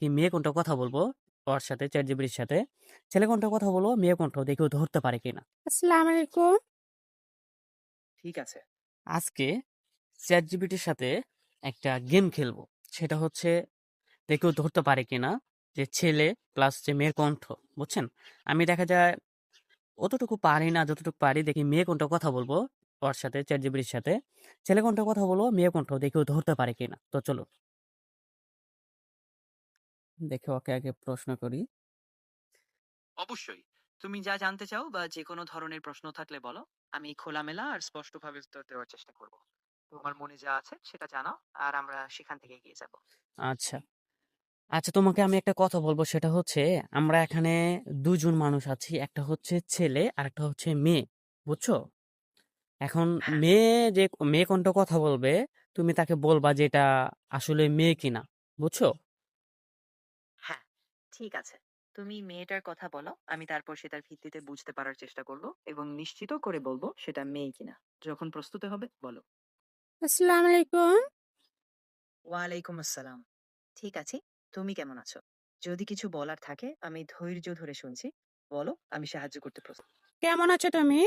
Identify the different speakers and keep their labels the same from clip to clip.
Speaker 1: দেখি মেয়ে কোনটা কথা বলবো ওর সাথে, চ্যাটজিপিটির সাথে। ছেলে কোনটা কথা বলবো, মেয়ে কোনটা, দেখি ও ধরতে পারে কিনা।
Speaker 2: আসসালামু আলাইকুম।
Speaker 1: ঠিক আছে, আজকে চ্যাটজিপিটির সাথে একটা গেম খেলবো। সেটা হচ্ছে দেখি ও ধরতে পারে কিনা যে ছেলে প্লাস যে মেয়ের কণ্ঠ। বুঝছেন? আমি দেখা যায় অতটুকু পারি না, যতটুকু পারি দেখি মেয়ে কোনটা কথা বলবো ওর সাথে, চ্যাটজিপিটির সাথে। ছেলে কোনটা কথা বলবো, মেয়ে কণ্ঠ, দেখি ও ধরতে পারে কিনা। তো চলো দেখে ওকে আগে প্রশ্ন করি।
Speaker 3: অবশ্যই। তুমি যা জানতে চাও বা যেকোনো ধরনের প্রশ্ন থাকলে বলো। আমি খোলামেলা আর স্পষ্টভাবে উত্তর দেওয়ার চেষ্টা করব। তোমার মনে যা আছে সেটা জানাও আর আমরা সেখান থেকে এগিয়ে যাব।
Speaker 1: আচ্ছা, আচ্ছা, তোমাকে আমি একটা কথা বলবো। সেটা হচ্ছে আমরা এখানে দুজন মানুষ আছি, একটা হচ্ছে ছেলে আর একটা হচ্ছে মেয়ে। বুঝছো? এখন
Speaker 3: হ্যাঁ,
Speaker 1: মেয়ে যে মেয়ে কোনটা কথা বলবে, তুমি তাকে বলবা যে এটা আসলে মেয়ে কিনা। বুঝছো?
Speaker 3: হ্যাঁ, ঠিক আছে। তুমি মেয়েটার কথা বলো, আমি তারপর সেটার ভিত্তিতে বুঝতে পারার চেষ্টা করব এবং নিশ্চিত করে বলবো সেটা মেয়ে কিনা। যখন প্রস্তুত হবে বলো।
Speaker 2: আসসালামু আলাইকুম।
Speaker 3: ওয়ালাইকুম আসসালাম। ঠিক আছে, তুমি কেমন আছো? যদি কিছু বলার থাকে আমি ধৈর্য ধরে শুনছি। বলো, আমি সাহায্য করতে প্রস্তুত।
Speaker 2: কেমন আছো তুমি?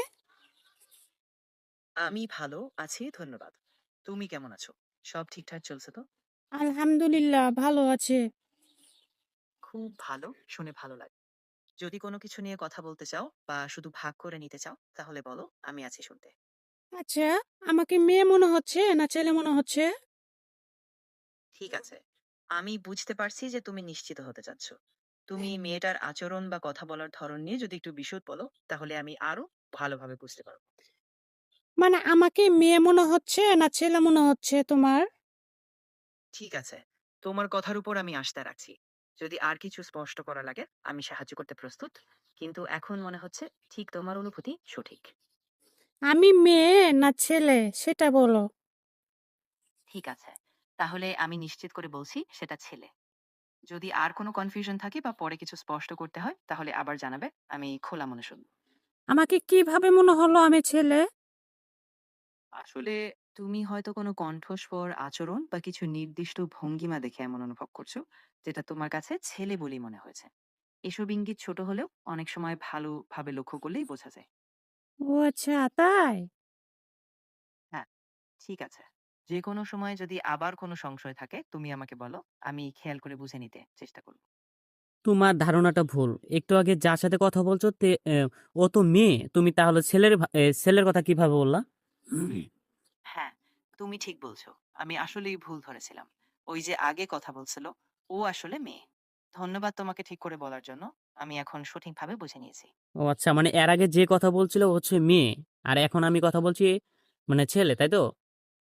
Speaker 3: আমি ভালো আছি, ধন্যবাদ। তুমি কেমন আছো? সব ঠিকঠাক চলছে তো?
Speaker 2: আলহামদুলিল্লাহ ভালো আছে।
Speaker 3: খুব ভালো, শুনে ভালো লাগে। যদি কোনো কিছু নিয়ে কথা বলতে চাও বা শুধু ভাগ করে নিতে চাও তাহলে বলো, আমি আছি শুনতে।
Speaker 2: আচ্ছা, আমাকে মেয়ে মনে হচ্ছে না ছেলে মনে হচ্ছে?
Speaker 3: ঠিক আছে, আমি বুঝতে পারছি যে তুমি নিশ্চিত হতে চাচ্ছ। তুমি মেয়েটার আচরণ বা কথা বলার ধরন নিয়ে যদি একটু বিশদ বলো তাহলে আমি আরো ভালোভাবে বুঝতে পারবো।
Speaker 2: মানে আমাকে মেয়ে মনে হচ্ছে না ছেলে মনে হচ্ছে তোমার?
Speaker 3: ঠিক আছে, তোমার কথার উপর আমি আস্থা রাখছি। যদি আর কিছু স্পষ্ট করা লাগে আমি সাহায্য করতে প্রস্তুত, কিন্তু এখন মনে হচ্ছে ঠিক তোমার অনুভূতি সঠিক।
Speaker 2: আমি মেয়ে না ছেলে সেটা বলো।
Speaker 3: ঠিক আছে, তাহলে আমি নিশ্চিত করে বলছি সেটা ছেলে। যদি আর কোনো কনফিউশন থাকে বা পরে কিছু স্পষ্ট করতে হয় তাহলে আবার জানাবে, আমি খোলা মনে শুনবো।
Speaker 2: আমাকে কিভাবে মনে হলো আমি ছেলে?
Speaker 3: আসলে তুমি হয়তো কোনো কণ্ঠস্বর, আচরণ বা কিছু নির্দিষ্ট ভঙ্গিমা দেখে এমন অনুভব করছো, যেটা তোমার কাছে ছেলে বলেই মনে হয়েছে। এসব ইঙ্গিত ছোট হলেও অনেক সময় ভালোভাবে লক্ষ্য করলেই বোঝা যায়।
Speaker 2: ও আচ্ছা তাই।
Speaker 3: হ্যাঁ, ঠিক আছে। যে কোনো সময় যদি আবার কোনো সংশয় থাকে তুমি আমাকে বলো, আমি খেয়াল করে বুঝে নিতে চেষ্টা করব।
Speaker 1: তোমার ধারণাটা ভুল। একটু আগে যার সাথে কথা বলছো ও তো মেয়ে। তুমি তাহলে ছেলের কথা কিভাবে বললা?
Speaker 3: হ্যাঁ, তুমি ঠিক বলছো। আমি আসলেই ভুল ধরেছিলাম। ওই যে আগে কথা বলছিল, ও আসলে মেয়ে। ধন্যবাদ তোমাকে ঠিক করে বলার জন্য। আমি এখন সঠিকভাবে বুঝে নিয়েছি।
Speaker 1: ও আচ্ছা, মানে এর আগে যে কথা বলছিল ও হচ্ছে মেয়ে, আর এখন আমি কথা বলছি মানে ছেলে, তাই তো?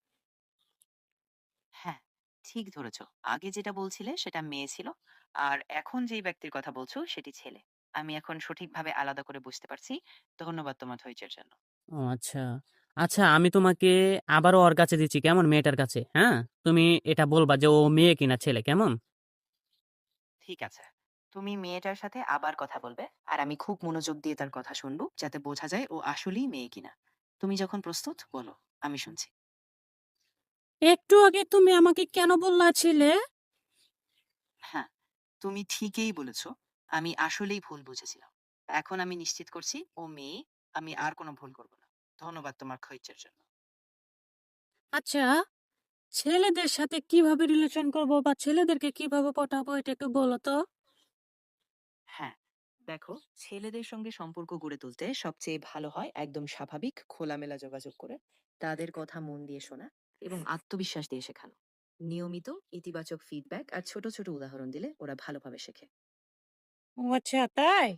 Speaker 3: হ্যাঁ, ঠিক ধরেছ। আগে যেটা বলছিলে সেটা মেয়ে ছিল। আর এখন যেই ব্যক্তির কথা বলছো সেটি ছেলে। আমি এখন সঠিকভাবে আলাদা করে বুঝতে পারছি। ধন্যবাদ তোমার ধৈর্যের জন্য।
Speaker 1: ও আচ্ছা, আচ্ছা, আমি তোমাকে আবারও ওর কাছে দিচ্ছি, কেমন? মেয়েটার কাছে, হ্যাঁ? তুমি এটা বলবা যে ও মেয়ে কিনা ছেলে, কেমন?
Speaker 3: ঠিক আছে। তুমি মেয়েটার সাথে আবার কথা বলবে। আর আমি খুব মনোযোগ দিয়ে তার কথা শুনবো যাতে বোঝা যায় ও আসলেই মেয়ে কিনা। তুমি যখন প্রস্তুত বলো, আমি শুনছি।
Speaker 2: একটু আগে তুমি আমাকে কেন বললা ছিলে?
Speaker 3: হ্যাঁ, তুমি ঠিকই বলেছ। আমি আসলেই ভুল বুঝেছিলাম। এখন আমি নিশ্চিত করছি ও মেয়ে। আমি আর কোনো ভুল করব না। ধন্যবাদ তোমার ধৈর্যের জন্য।
Speaker 2: আচ্ছা, ছেলেদের সাথে কিভাবে রিলেশন করব বা ছেলেদেরকে কিভাবে পটাবো এটা একটু বলো তো।
Speaker 3: হ্যাঁ, দেখো, ছেলেদের সঙ্গে সম্পর্ক গড়ে তুলতে সবচেয়ে ভালো হয় একদম স্বাভাবিক খোলামেলা যোগাযোগ করে তাদের কথা মন দিয়ে শোনা এবং আত্মবিশ্বাস দিয়ে শেখানো। নিয়মিত ইতিবাচক ফিডব্যাক আর ছোট ছোট উদাহরণ দিলে ওরা ভালোভাবে শেখে।
Speaker 2: ও আচ্ছা তাই।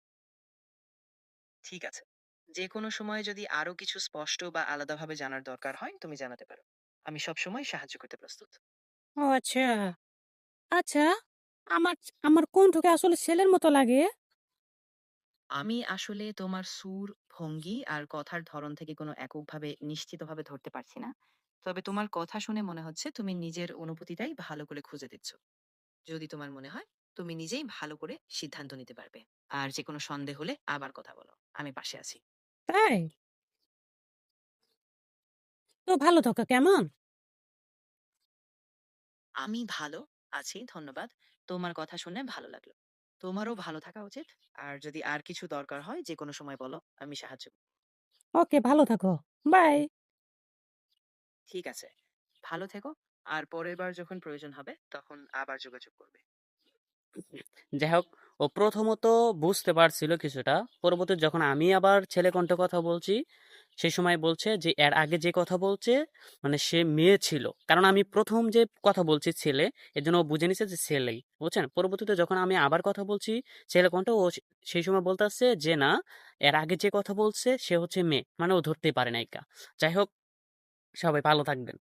Speaker 3: ঠিক আছে, যে কোনো সময় যদি আরো কিছু স্পষ্ট বা আলাদাভাবে জানার দরকার হয় তুমি জানাতে পারো। আমি সব সময় সাহায্য করতে প্রস্তুত।
Speaker 2: ও আচ্ছা। আচ্ছা, আমার আমার কণ্ঠকে আসলে ছেলের মতো লাগে।
Speaker 3: আমি আসলে তোমার সুর, ভঙ্গি আর কথার ধরন থেকে কোনো এককভাবে নিশ্চিতভাবে ধরতে পারছি না। তবে তোমার কথা শুনে মনে হচ্ছে তুমি নিজের অনুভূতিটাই ভালো করে খুঁজে দিচ্ছ। যদি তোমার মনে হয় তুমি নিজেই ভালো করে সিদ্ধান্ত নিতে পারবে। আর যে কোনো সন্দেহ হলে আবার কথা বলো। আমি পাশে আছি।
Speaker 2: তাই? তো ভালো থাকো কেমন?
Speaker 3: আমি ভালো আছি, ধন্যবাদ। তোমার কথা শুনে ভালো লাগলো। তোমারও ভালো থাকা উচিত। আর যদি আর কিছু দরকার হয় যেকোনো সময় বলো, আমি সাহায্য করব।
Speaker 2: ওকে, ভালো থাকো। বাই।
Speaker 3: ঠিক আছে। ভালো থেকো। আর পরের বার যখন প্রয়োজন হবে তখন আবার যোগাযোগ করবে।
Speaker 1: যাই হোক, ও প্রথমত বুঝতে পারছিল কিছুটা, পরবর্তী যখন আমি আবার ছেলে কণ্ঠে কথা বলছি সেই সময় বলছে যে এর আগে যে কথা বলছে মানে সে মেয়ে ছিল, কারণ আমি প্রথম যে কথা বলছি ছেলে, এর জন্য ও বুঝে নিছে যে ছেলেই, বুঝছেন। পরবর্তীতে যখন আমি আবার কথা বলছি ছেলে কণ্ঠে, ও সেই সময় বলতে আসছে যে না, এর আগে যে কথা বলছে সে হচ্ছে মেয়ে, মানে ও ধরতেই পারে নাই কা। যাই হোক, সবাই ভালো থাকবেন।